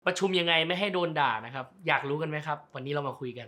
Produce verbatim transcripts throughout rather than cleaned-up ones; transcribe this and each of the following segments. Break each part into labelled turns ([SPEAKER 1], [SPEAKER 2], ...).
[SPEAKER 1] ประชุมยังไงไม่ให้โดนด่านะครับอยากรู้กันไหมครับวันนี้เรามาคุยกัน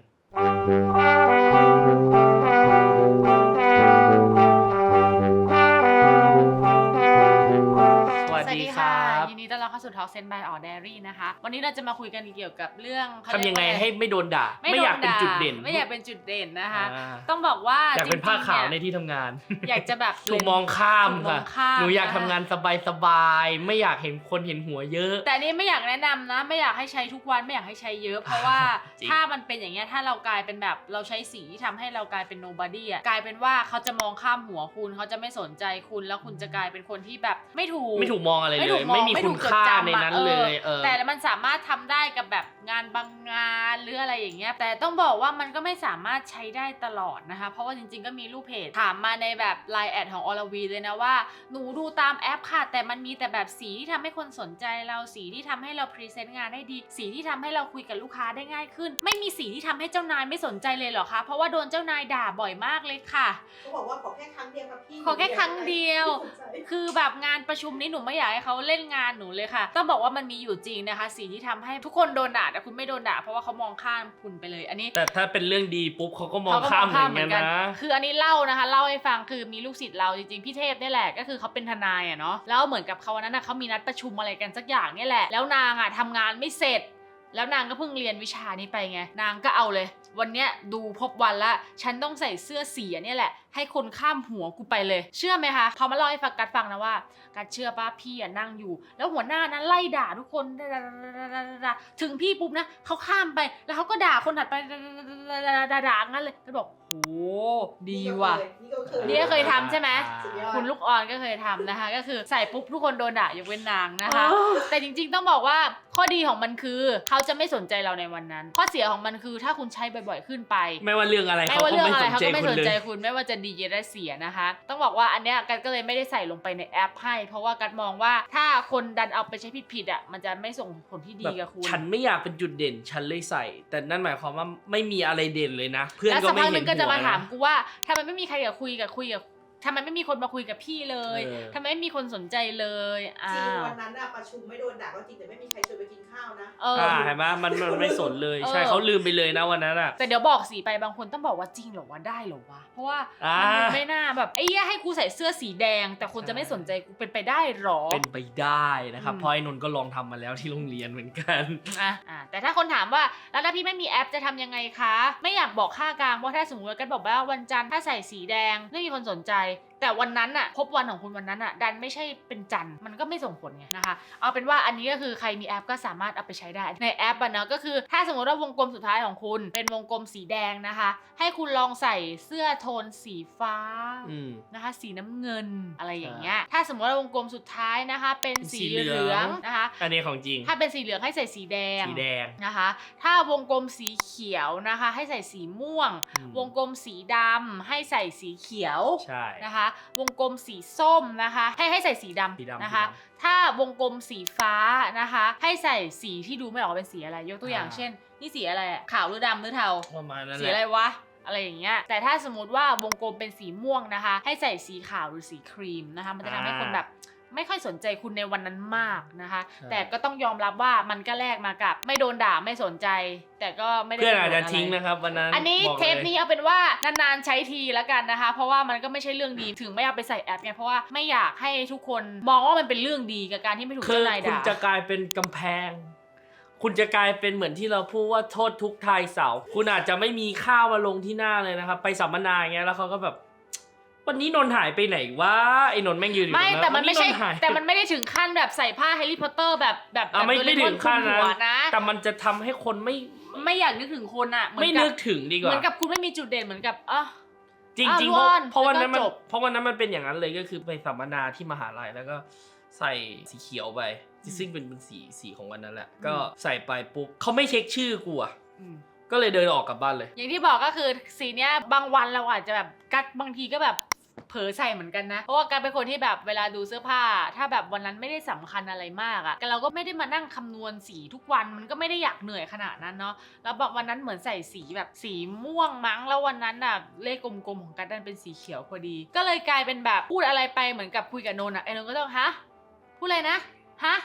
[SPEAKER 1] สวัสดีครับ
[SPEAKER 2] ยินดีต้อนรับเข้าสู่ Talk Sense by All Dairy นะคะวันนี้เราจะมาคุยกันเกี่ยวกับเรื่อง
[SPEAKER 1] ทำยังไงให้ไม่โดนด่าไม่อยากเป็นจุดเด่น
[SPEAKER 2] ไม่อยากเป็นจุดเด่นนะคะต้องบอกว่า
[SPEAKER 1] อยากเป็นผ้าขาวในที่ทำงาน
[SPEAKER 2] อยากจะแบบ
[SPEAKER 1] ถูกมองข้ามค่ะหนูอยากทำงานสบายๆไม่อยากเห็นคนเห็นหัวเยอะ
[SPEAKER 2] แต่นี่ไม่อยากแนะนำนะไม่อยากให้ใช้ทุกวันไม่อยากให้ใช้เยอะเพราะว่าถ้ามันเป็นอย่างเงี้ยถ้าเรากลายเป็นแบบเราใช้สีที่ทำให้เรากลายเป็น nobody อ่ะกลายเป็นว่าเขาจะมองข้ามหัวคุณเขาจะไม่สนใจคุณแล้วคุณจะกลายเป็นคนที่แบบไม่ถูก
[SPEAKER 1] ไม่ถูกมองอะไรเลยไม่มีคุณค่าในนั้นเลย
[SPEAKER 2] แต่มันสามารถทำได้กับแบบงานบางงานหรืออะไรอย่างเงี้ยแต่ต้องบอกว่ามันก็ไม่สามารถใช้ได้ตลอดนะคะเพราะว่าจริงๆก็มีลูกเพจถามมาในแบบ ไลน์ แอดของอรวีเลยนะว่าหนูดูตามแอปค่ะแต่มันมีแต่แบบสีที่ทำให้คนสนใจเราสีที่ทำให้เราพรีเซนต์งานได้ดีสีที่ทำให้เราคุยกับลูกค้าได้ง่ายขึ้นไม่มีสีที่ทำให้เจ้านายไม่สนใจเลยเหรอคะเพราะว่าโดนเจ้านายด่าบ่อยมากเลยค่ะ
[SPEAKER 3] เขาบอกว่าขอแค่ครั้งเดียวครับพี่
[SPEAKER 2] ขอแค่ครั้งเดียวคือแบบงานประชุมนี้หนูไม่อยากให้เขาเล่นงานหนูเลยค่ะต้องบอกว่ามันมีอยู่จริงนะคะสีที่ทำให้ทุกคนโดนด่าแต่คุณไม่โดนด่าเพราะว่าเขามองข้ามคุณไปเลยอันนี้
[SPEAKER 1] แต่ถ้าเป็นเรื่องดีปุ๊บเขาก็มองข้ามเหมือนกันนะ
[SPEAKER 2] คืออันนี้เล่านะคะเล่าให้ฟังคือมีลูกศิษย์เราจริงๆพี่เทพนี่แหละก็คือเขาเป็นทนายอ่ะเนาะแล้วเหมือนกับเขาวันนั้นเขามีนัดประชุมอะไรกันสักอย่างนี่แหละแล้วนางอ่ะทำงานไม่เสร็จแล้วนางก็เพิ่งเรียนวิชานี้ไปไงนางก็เอาเลยวันเนี้ยดูพบวันละฉันต้องใส่เสื้อสีนี่แหละให้คนข้ามหัวกูไปเลยเชื่อไหมคะพอมาเล่าให้ฟังกัดฟังนะว่ากัดเชื่อป่ะพี่อ่ะนั่งอยู่แล้วหัวหน้านั้นไล่ด่าทุกคนถึงพี่ปุ๊บนะเขาข้ามไปแล้วเขาก็ด่าคนถัดไปด่าๆงั้นเลยก็บอกโอ้ดีว่ะนี่ก็เคยทำใช่ไหมคุณลูกอ่อนก็เคยทำนะคะก็คือใส่ปุ๊บทุกคนโดนด่ายกเว้นนางนะคะแต่จริงๆต้องบอกว่าข้อดีของมันคือเขาจะไม่สนใจเราในวันนั้นข้อเสียของมันคือถ้าคุณใช้บ่อยๆขึ้นไป
[SPEAKER 1] ไม่ว่าเรื่องอะไรเขาก็ไม่สนใจคุณ
[SPEAKER 2] ไม่ว่าจะดีและเสียนะคะต้องบอกว่าอันเนี้ยกัดก็เลยไม่ได้ใส่ลงไปในแอปให้เพราะว่ากัดมองว่าถ้าคนดันเอาไปใช้ผิดๆอ่ะมันจะไม่ส่งผลที่ดีกับคุณ
[SPEAKER 1] ฉันไม่อยากเป็นจุดเด่นฉันเลยใส่แต่นั่นหมายความว่าไม่มีอะไรเด่นเลยนะเพื่อนก็ไม่เห็นหัวนะแล้วสักพักนึง
[SPEAKER 2] ก็จะมาถามกูว่าทำไมไม่มีใครอยากคุยกับคุยกับทำไมไม่มีคนมาคุยกับพี่เลยทำไมไม่มีคนสนใจเลย
[SPEAKER 3] จริงวันนั้นอะประชุมไม่โดนด่าก็จริงแต่ไม่มีใครชวนไปกินข้าวนะ
[SPEAKER 1] เออเห็นไหมมันมันไม่สนเลยใช่เขาลืมไปเลยนะวันนั้นอะ
[SPEAKER 2] แต่เดี๋ยวบอกสีไปบางคนต้องบอกว่าจริงหรอวะได้หรอวะเพราะว่ามันไม่น่าแบบไอ้เหี้ยให้กูใส่เสื้อสีแดงแต่คนจะไม่สนใจกูเป็นไปได้หรอ
[SPEAKER 1] เป็นไปได้นะครับเพราะไอ้นนท์ก็ลองทำมาแล้วที่โรงเรียนเหมือนกัน
[SPEAKER 2] อ่ะอ่ะแต่ถ้าคนถามว่าแล้วถ้าพี่ไม่มีแอปจะทำยังไงคะไม่อยากบอกค่ากลางเพราะถ้าสมมติว่ากันบอกว่าวันจันทร์ถ้าใส่สีแดงไม่มีคนสนใจแต่วันนั้นอะพบวันของคุณวันนั้นอะดันไม่ใช่เป็นจันทร์มันก็ไม่ส่งผลไงนะคะเอาเป็นว่าอันนี้ก็คือใครมีแอปก็สามารถเอาไปใช้ได้ในแอปอะเนาะก็คือถ้าสมมติว่าวงกลมสุดท้ายของคุณเป็นวงกลมสีแดงนะคะให้คุณลองใส่เสื้อโทนสีฟ้านะคะสีน้ำเงินอะไรอย่างเงี้ยถ้าสมมติว่าวงกลมสุดท้ายนะคะเป็นสีเหลืองนะคะ
[SPEAKER 1] อันนี้ของจริง
[SPEAKER 2] ถ้าเป็นสีเหลืองให้ใส่สีแดง
[SPEAKER 1] สีแดง
[SPEAKER 2] นะคะถ้าวงกลมสีเขียวนะคะให้ใส่สีม่วงวงกลมสีดำให้ใส่สีเขียว
[SPEAKER 1] ใช่
[SPEAKER 2] นะคะวงกลมสีส้มนะคะให้ให้ใส่สีดำนะคะถ้าวงกลมสีฟ้านะคะให้ใส่สีที่ดูไม่ออกเป็นสีอะไรยกตัวอย่างเช่นนี่สีอะไรอะขาวหรือดำหรือเทา
[SPEAKER 1] ประมาณนั้น
[SPEAKER 2] สีอะไรวะอะไรอย่างเงี้ยแต่ถ้าสมมติว่าวงกลมเป็นสีม่วงนะคะให้ใส่สีขาวหรือสีครีมนะคะมันจะทำให้คนแบบไม่ค่อยสนใจคุณในวันนั้นมากนะคะแต่ก็ต้องยอมรับว่ามันก็แลกมากับไม่โดนด่าไม่สนใจแต่ก็ไม่ได้
[SPEAKER 1] เพื่อนอาจจะทิ้งนะครับวันนั้น
[SPEAKER 2] อันนี้เทปนี้เอาเป็นว่านานๆใช้ทีแล้วกันนะคะเพราะว่ามันก็ไม่ใช่เรื่องดีถึงไม่เอาไปใส่แอปไงเพราะว่าไม่อยากให้ทุกคนมองว่ามันเป็นเรื่องดีกับการที่ไม่ถูกเจ้านายด่า
[SPEAKER 1] คุณจะกลายเป็นกำแพงคุณจะกลายเป็นเหมือนที่เราพูดว่าโทษทุกทายเสาคุณอาจจะไม่มีข้าวมาลงที่หน้าเลยนะครับไปสัมมนาอย่างเงี้ยแล้วเขาก็แบบวันนี้นนท์หายไปไหนวะไอ้นนท์แม่งยืนอยู่
[SPEAKER 2] ไม่แต่มันไม่ใช่แต่มันไม่ได้ถึงขั้นแบบใส่ผ้าแฮร์รี่พอตเตอร์แบบแบบ
[SPEAKER 1] แบบไม่ได้ถึงขั้นนะแต่มันจะทำให้คนไม่
[SPEAKER 2] ไม่อยากนึกถึงคนอ่ะ
[SPEAKER 1] ไม่นึกถึงดีกว่า
[SPEAKER 2] เหมือนกับคุณไม่มีจุดเด่นเหมือนกับอ่ะ
[SPEAKER 1] จริงจริงเพราะวันนั้นมันเพราะวันนั้นมันเป็นอย่างนั้นเลยก็คือไปสัมมนาที่มหาลัยแล้วก็ใส่สีเขียวไปซึ่งเป็นเป็นสีสีของวันนั้นแหละก็ใส่ไปปุ๊บเขาไม่เช็คชื่อกูอ่ะก็เลยเดินออกกลับบ้านเลย
[SPEAKER 2] อย่างที่บอกก็คือสีเนี้ยบางวันเราอาจจะแบบกัดบางทีก็แบบเผลอใส่เหมือนกันนะเพราะว่าการเป็นคนที่แบบเวลาดูเสื้อผ้าถ้าแบบวันนั้นไม่ได้สำคัญอะไรมากอะเราก็ไม่ได้มานั่งคำนวณสีทุกวันมันก็ไม่ได้อยากเหนื่อยขนาดนั้นเนาะแล้วบอกวันนั้นเหมือนใส่สีแบบสีม่วงมั้งแล้ววันนั้นอะเลขกลมๆของกัดดันเป็นสีเขียวพอดีก็เลยกลายเป็นแบบพูดอะไรไปเหมือนกับคุยกับนนท์อะไอ้นนท์ก็ต้องฮะพูดอะไรนะฮะ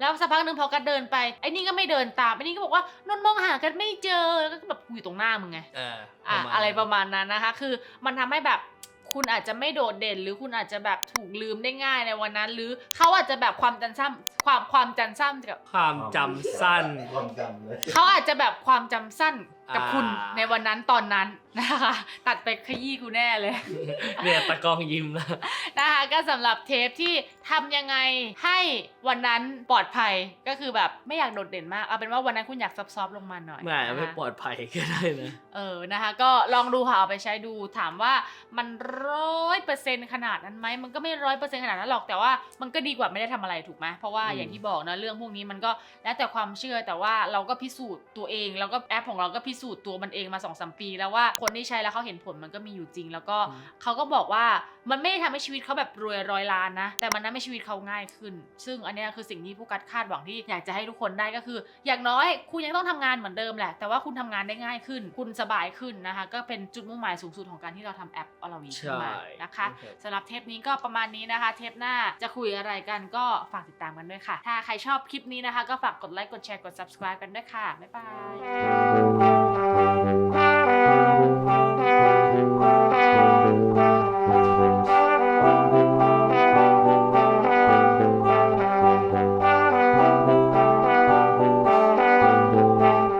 [SPEAKER 2] แล้วสักพักหนึ่งพอกันเดินไปไอ้นี่ก็ไม่เดินตามไอ้นี่ก็บอกว่านนท์มองหากันไม่เจอแล้วก็แบบกูอยู่ตรงหน้ามึงไง
[SPEAKER 1] อ่า
[SPEAKER 2] อ่ะอะไรประมาณนั้นนะคะคือมันทำให้แบบคุณอาจจะไม่โดดเด่นหรือคุณอาจจะแบบถูกลืมได้ง่ายในวันนั้น หรือเขาอาจจะแบบความจำสั้นความความจำสั้นกับ
[SPEAKER 1] ความจำสั้น
[SPEAKER 4] ความจำเลย
[SPEAKER 2] เขาอาจจะแบบความจำสั้นกับคุณ
[SPEAKER 1] อ่า
[SPEAKER 2] ในวันนั้นตอนนั้นนะคะตัดไปขยี้กูแน่เลย
[SPEAKER 1] เนี่ยตะกล้องยิ้มแล้ว
[SPEAKER 2] นะคะก็สำหรับเทปที่ทำยังไงให้วันนั้นปลอดภัยก็คือแบบไม่อยากโดดเด่นมากเอาเป็นว่าวันนั้นคุณอยากซับซ้อฟลงมาหน่อย
[SPEAKER 1] ไม่
[SPEAKER 2] นะคะ
[SPEAKER 1] ไม่ปลอดภัยก็ได้นะ
[SPEAKER 2] เออนะคะก็ลองดูค่ะเอาไปใช้ดูถามว่ามันร้อยเปอร์เซ็นต์ขนาดนั้นไหมมันก็ไม่ร้อยเปอร์เซ็นต์ขนาดนั้นหรอกแต่ว่ามันก็ดีกว่าไม่ได้ทำอะไรถูกไหมเพราะว่า
[SPEAKER 1] อืม
[SPEAKER 2] อย่างที่บอกนะเรื่องพวกนี้มันก็แล้วแต่ความเชื่อแต่ว่าเราก็พิสูจน์ตัวเองแล้วก็แอปของเราก็พิสูจน์ตัวมันเองมา สองสาม ปีแล้วว่าคนที่ใช้แล้วเขาเห็นผลมันก็มีอยู่จริง แล้วก็เขาก็บอกว่ามันไม่ได้ทำให้ชีวิตเขาแบบรวยร้อยล้านนะแต่มันทำให้ชีวิตเขาง่ายขึ้น ซึ่งอันเนี้ยคือสิ่งที่ผู้กัดคาดหวังที่อยากจะให้ทุกคนได้ก็คือ อย่างน้อยคุณยังต้องทำงานเหมือนเดิมแหละแต่ว่าคุณทำงานได้ง่ายขึ้น คุณสบายขึ้นนะคะก็เป็นจุดมุ่งหมายสูงสุดของการที่เราทำแอปอลาวีขึ้นมานะคะ
[SPEAKER 1] โอเค
[SPEAKER 2] สำหรับเทปนี้ก็ประมาณนี้นะคะ เทปหน้าจะคุยอะไรกันก็ฝากติดตามกันด้วยค่ะ ถ้าใครชอบคลิปนี้นะคะก็ฝากกดไลค์กดแชร์กด ซับสไครบ์ กันด้วยค่ะบ๊ายบาย